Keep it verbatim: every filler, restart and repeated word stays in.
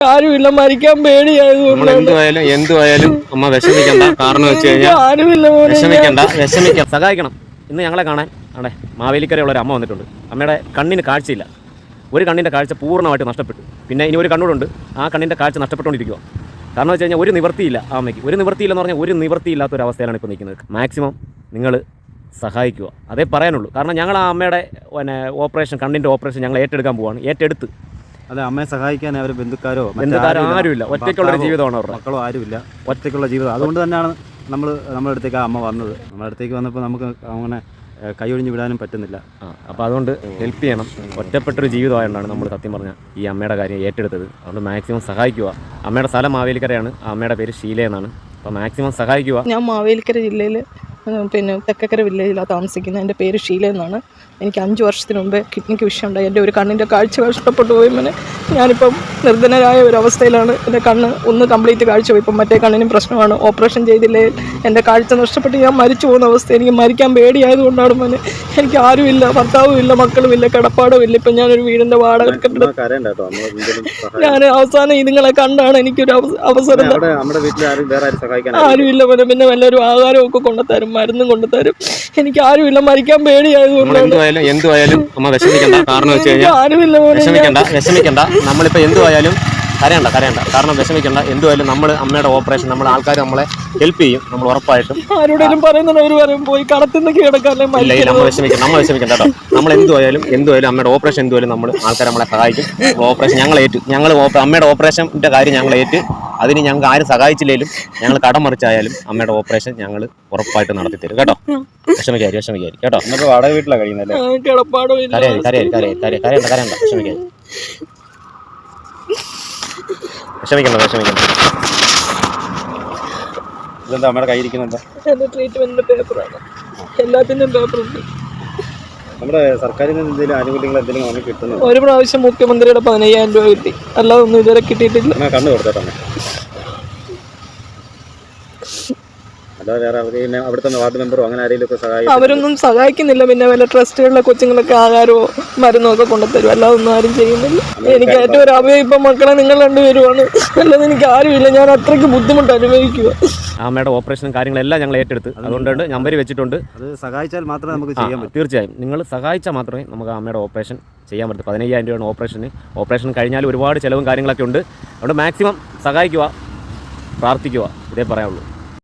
ആരുമില്ല, മരിക്കാൻ പേടിയായതുകൊണ്ട് എന്തുവായാലും എന്തുവായാലും അമ്മ വിഷമിക്കണ്ട. കാരണം വെച്ച് കഴിഞ്ഞാൽ ആരുമില്ല, വിഷമിക്കണ്ട വിഷമിക്കാം സഹായിക്കണം. ഇന്ന് ഞങ്ങളെ കാണാൻ അവിടെ മാവേലിക്കരയുള്ള ഒരു അമ്മ വന്നിട്ടുണ്ട്. അമ്മയുടെ കണ്ണിന് കാഴ്ചയില്ല. ഒരു കണ്ണിൻ്റെ കാഴ്ച പൂർണ്ണമായിട്ട് നഷ്ടപ്പെട്ടു. പിന്നെ ഇനി ഒരു കണ്ണൂടുണ്ട്, ആ കണ്ണിൻ്റെ കാഴ്ച നഷ്ടപ്പെട്ടുകൊണ്ടിരിക്കുക. കാരണം വെച്ച് കഴിഞ്ഞാൽ ഒരു നിവൃത്തിയില്ല ആ അമ്മയ്ക്ക്. ഒരു നിവൃത്തിയില്ലെന്ന് പറഞ്ഞാൽ ഒരു നിവൃത്തിയില്ലാത്തൊരവസ്ഥയിലാണ് ഇപ്പോൾ നിൽക്കുന്നത്. മാക്സിമം നിങ്ങൾ സഹായിക്കുക, അതേ പറയാനുള്ളൂ. കാരണം ഞങ്ങൾ ആ അമ്മയുടെ പിന്നെ ഓപ്പറേഷൻ, കണ്ണിൻ്റെ ഓപ്പറേഷൻ ഞങ്ങൾ ഏറ്റെടുക്കാൻ പോവുകയാണ്. ഏറ്റെടുത്ത് അതെ, അമ്മയെ സഹായിക്കാൻ അവർ ബന്ധുക്കാരോ ബന്ധുക്കാരോ ആരുമില്ല. ഒറ്റയ്ക്കുള്ളൊരു ജീവിതമാണ് അവരുടെ. മക്കളോ ആരുമില്ല, ഒറ്റയ്ക്കുള്ള ജീവിതം. അതുകൊണ്ട് തന്നെയാണ് നമ്മൾ നമ്മുടെ അടുത്തേക്ക് ആ അമ്മ വന്നത്. നമ്മുടെ അടുത്തേക്ക് വന്നപ്പോൾ നമുക്ക് അങ്ങനെ കൈയൊഴിഞ്ഞ് വിടാനും പറ്റുന്നില്ല. ആ അപ്പോൾ അതുകൊണ്ട് ഹെൽപ്പ് ചെയ്യണം. ഒറ്റപ്പെട്ടൊരു ജീവിതമായതുകൊണ്ടാണ് നമ്മൾ സത്യം പറഞ്ഞാൽ ഈ അമ്മയുടെ കാര്യം ഏറ്റെടുത്തത്. അതുകൊണ്ട് മാക്സിമം സഹായിക്കുക. അമ്മയുടെ സ്ഥലം മാവേലിക്കരയാണ്, ആ അമ്മയുടെ പേര് ഷീല എന്നാണ്. അപ്പോൾ മാക്സിമം സഹായിക്കുക. ഞാൻ മാവേലിക്കര ജില്ലയിൽ പിന്നെ തെക്കക്കര വില്ലേജിലാണ് താമസിക്കുന്നത്. എൻ്റെ പേര് ഷീല എന്നാണ്. എനിക്ക് അഞ്ച് വർഷത്തിന് മുമ്പേ കിഡ്നിക്ക് വിഷയമുണ്ടായി. എൻ്റെ ഒരു കണ്ണിൻ്റെ കാഴ്ച നഷ്ടപ്പെട്ടു പോയി. പിന്നെ ഞാനിപ്പം നിർധനരായ ഒരു അവസ്ഥയിലാണ്. എൻ്റെ കണ്ണ് ഒന്ന് കംപ്ലീറ്റ് കാഴ്ച പോയി. ഇപ്പം മറ്റേ കണ്ണിനും പ്രശ്നമാണ്. ഓപ്പറേഷൻ ചെയ്തില്ലേ എൻ്റെ കാഴ്ച നഷ്ടപ്പെട്ട് ഞാൻ മരിച്ചു പോകുന്ന അവസ്ഥ. എനിക്ക് മരിക്കാൻ പേടിയായതുകൊണ്ടാണ് മോനെ. എനിക്ക് ആരുമില്ല, ഭർത്താവും ഇല്ല, മക്കളും ഇല്ല, കിടപ്പാടും ഇല്ല. ഇപ്പം ഞാനൊരു വീടിൻ്റെ വാടക കെട്ടിടം. ഞാൻ അവസാനം ഇതുങ്ങളെ കണ്ടാണ് എനിക്കൊരു അവസരം. ആരുമില്ല മോനെ. പിന്നെ വല്ലവരും ആഹാരവും ഒക്കെ കൊണ്ടുതരും, മരുന്നും കൊണ്ടുതരും. എനിക്ക് ആരുമില്ല, മരിക്കാൻ പേടിയായതുകൊണ്ടാണ്. എന്തുവായാലും അമ്മ വിഷമിക്കണ്ട. കാരണം വെച്ച് കഴിഞ്ഞാൽ വിഷമിക്കണ്ട വിഷമിക്കണ്ട നമ്മളിപ്പോ എന്തുവായാലും കരയണ്ട കരയണ്ട കാരണം വിഷമിക്കണ്ട. എന്തുവായാലും നമ്മൾ അമ്മയുടെ ഓപ്പറേഷൻ, നമ്മൾ ആൾക്കാർ നമ്മളെ ഹെൽപ്പ് ചെയ്യും. നമ്മൾ ഉറപ്പായിട്ടും ആരോടെങ്കിലും പറയുന്നവർ പോയി കടത്തുന്നൊക്കെ കിടക്കാല്ലേ. ഇല്ല ഇല്ല നമ്മൾ വിഷമിക്കണം നമ്മൾ വിഷമിക്കണ്ട കേട്ടോ. നമ്മൾ എന്തുവായാലും എന്തുവായാലും അമ്മയുടെ ഓപ്പറേഷൻ എന്തുവായാലും നമ്മൾ ആൾക്കാർ നമ്മളെ സഹായിക്കും. ഓപ്പറേഷൻ ഞങ്ങൾ ഏറ്റു. ഞങ്ങൾ അമ്മയുടെ ഓപ്പറേഷൻ്റെ കാര്യം ഞങ്ങൾ ഏറ്റ്. അതിന് ഞങ്ങൾക്ക് ആരും സഹായിച്ചില്ലേലും ഞങ്ങൾ കടം മറിച്ചായാലും അമ്മയുടെ ഓപ്പറേഷൻ ഞങ്ങൾ ഉറപ്പായിട്ട് നടത്തി തരും കേട്ടോ. വിഷമിക്കാരി വിഷമിക്കാരി കേട്ടോ. നമുക്ക് വാടക വീട്ടിലാണ് കഴിയുന്നല്ലേ. കരയാരി കരയാരി കരയാരി കരയാ കരയണ്ട കരയണ്ട വിഷമിക്കാരി വിഷമിക്കണ്ട വിഷമിക്കണ്ട. ഇതെന്താ അമ്മയുടെ കയ്യിരിക്കുന്നുണ്ടോ? എൻ്റെ ട്രീറ്റ്മെന്റിന്റെ പേപ്പറാണ്. എല്ലാത്തിൻ്റെയും പേപ്പറുണ്ട്. നമ്മുടെ സർക്കാരിൽ നിന്ന് എന്തെങ്കിലും ആനുകൂല്യങ്ങൾ എന്തെങ്കിലും നമുക്ക് കിട്ടുന്നു? ഒരു പ്രാവശ്യം മുഖ്യമന്ത്രിയുടെ പതിനയ്യായിരം രൂപ കിട്ടി, അല്ലാതെ ഒന്നും ഇതുവരെ കിട്ടിയിട്ടില്ല. കണ്ണു കൊടുത്തോട്ടെ. അവിടുത്തെ വാർഡ് മെമ്പറോ അങ്ങനെ ആരെങ്കിലും സഹായിക്കും? അവരൊന്നും സഹായിക്കുന്നില്ല. പിന്നെ വല്ല ട്രസ്റ്റുകളിലെ കൊച്ചുങ്ങളൊക്കെ ആഹാരമോ മരുന്നോ ഒക്കെ കൊണ്ടുതരും, അല്ലാതെ ഒന്നും ആരും ചെയ്യുന്നില്ല. എനിക്ക് ഏറ്റവും ഒരു അഭയം ഇപ്പം മക്കളെ നിങ്ങൾ രണ്ടുപേരുമാണ്, അല്ലാതെ എനിക്ക് ആരുമില്ല. ഞാൻ അത്രയ്ക്ക് ബുദ്ധിമുട്ട് അനുഭവിക്കുക. അമ്മയുടെ ഓപ്പറേഷനും കാര്യങ്ങളെല്ലാം ഞങ്ങൾ ഏറ്റെടുത്ത്. അതുകൊണ്ടാണ് നമ്പർ വെച്ചിട്ടുണ്ട്. അത് സഹായിച്ചാൽ മാത്രമേ നമുക്ക് ചെയ്യാൻ പറ്റൂ. തീർച്ചയായും നിങ്ങൾ സഹായിച്ചാൽ മാത്രമേ നമുക്ക് അമ്മയുടെ ഓപ്പറേഷൻ ചെയ്യാൻ പറ്റൂ. പതിനയ്യായിരം രൂപയാണ് ഓപ്പറേഷന്. ഓപ്പറേഷൻ കഴിഞ്ഞാൽ ഒരുപാട് ചിലവും കാര്യങ്ങളൊക്കെ ഉണ്ട്. അതുകൊണ്ട് മാക്സിമം സഹായിക്കുക, പ്രാർത്ഥിക്കുക, ഇതേ പറയാനുള്ളൂ.